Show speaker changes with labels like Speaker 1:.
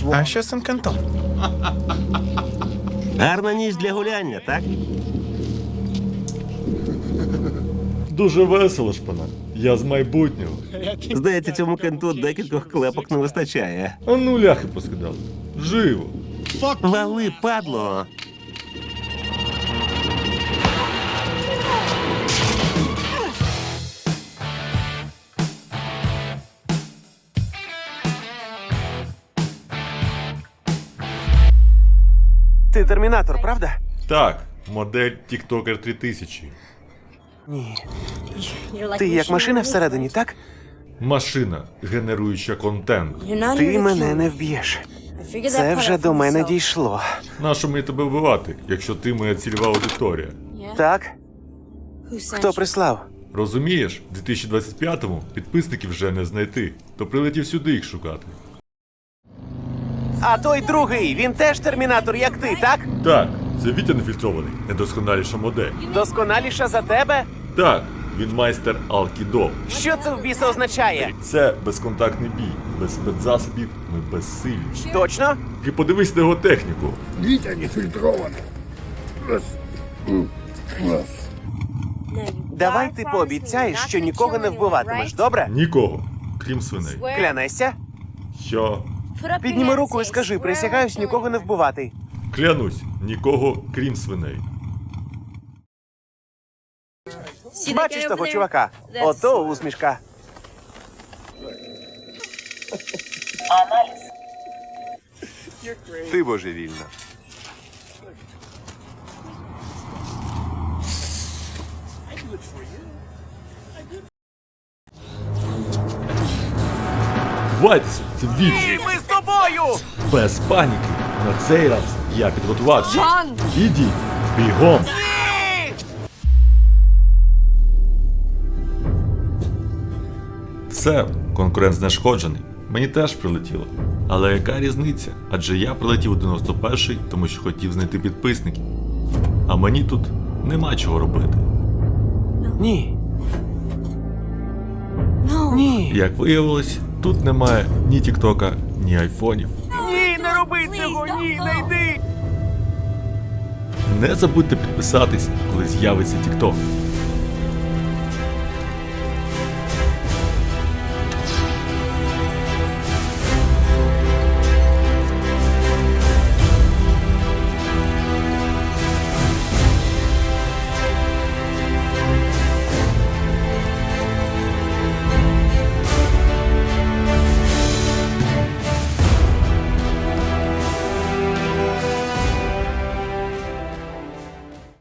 Speaker 1: А що з цим кентом?
Speaker 2: Гарна ніч для гуляння, так?
Speaker 3: Дуже весело, шпана. Я з майбутнього.
Speaker 2: Здається, цьому кенту декількох клепок не вистачає.
Speaker 3: А ну ляхи поскидали. Живо.
Speaker 2: Вали, падло!
Speaker 4: Ти термінатор, правда?
Speaker 3: Так, модель TikToker 3000.
Speaker 4: Ні. Ти як машина всередині, так?
Speaker 3: Машина, генеруюча контент.
Speaker 4: Ти мене не вб'єш. Це вже до мене дійшло.
Speaker 3: Нащо мені тебе вбивати, якщо ти моя цільова аудиторія?
Speaker 4: Так? Хто прислав?
Speaker 3: Розумієш, в 2025-му підписників вже не знайти, то прилетів сюди їх шукати.
Speaker 4: А той другий, він теж термінатор, як ти, так?
Speaker 3: Так, це Вітя нефільтрований, недосконаліша модель.
Speaker 4: Досконаліша за тебе?
Speaker 3: Так, він майстер Алкідо.
Speaker 4: Що це в біса означає?
Speaker 3: Це безконтактний бій, без спецзасобів, ми безсилі.
Speaker 4: Точно?
Speaker 3: Ти подивись на його техніку.
Speaker 5: Вітя нефільтрований.
Speaker 4: Давай ти пообіцяєш, що нікого не вбиватимеш, добре?
Speaker 3: Нікого, крім свиней.
Speaker 4: Клянешся?
Speaker 3: Що?
Speaker 4: Підніми руку і скажи, присягаюсь нікого не вбивати.
Speaker 3: Клянусь, нікого, крім свиней.
Speaker 4: Бачиш того чувака? Ото усмішка. Ти божевільна.
Speaker 3: Хвайтеся, це Вітя.
Speaker 4: Ми з тобою!
Speaker 3: Без паніки. На цей раз я підготувався. Ідіть, бігом. Все, конкурент знешкоджений. Мені теж прилетіло. Але яка різниця? Адже я прилетів у 91-й, тому що хотів знайти підписників. А мені тут нема чого робити.
Speaker 4: Ні. Ні.
Speaker 3: Як виявилось, тут немає ні Тіктока, ні айфонів.
Speaker 4: Ні, не роби цього, ні, не йди.
Speaker 3: Не забудьте підписатись, коли з'явиться Тікток.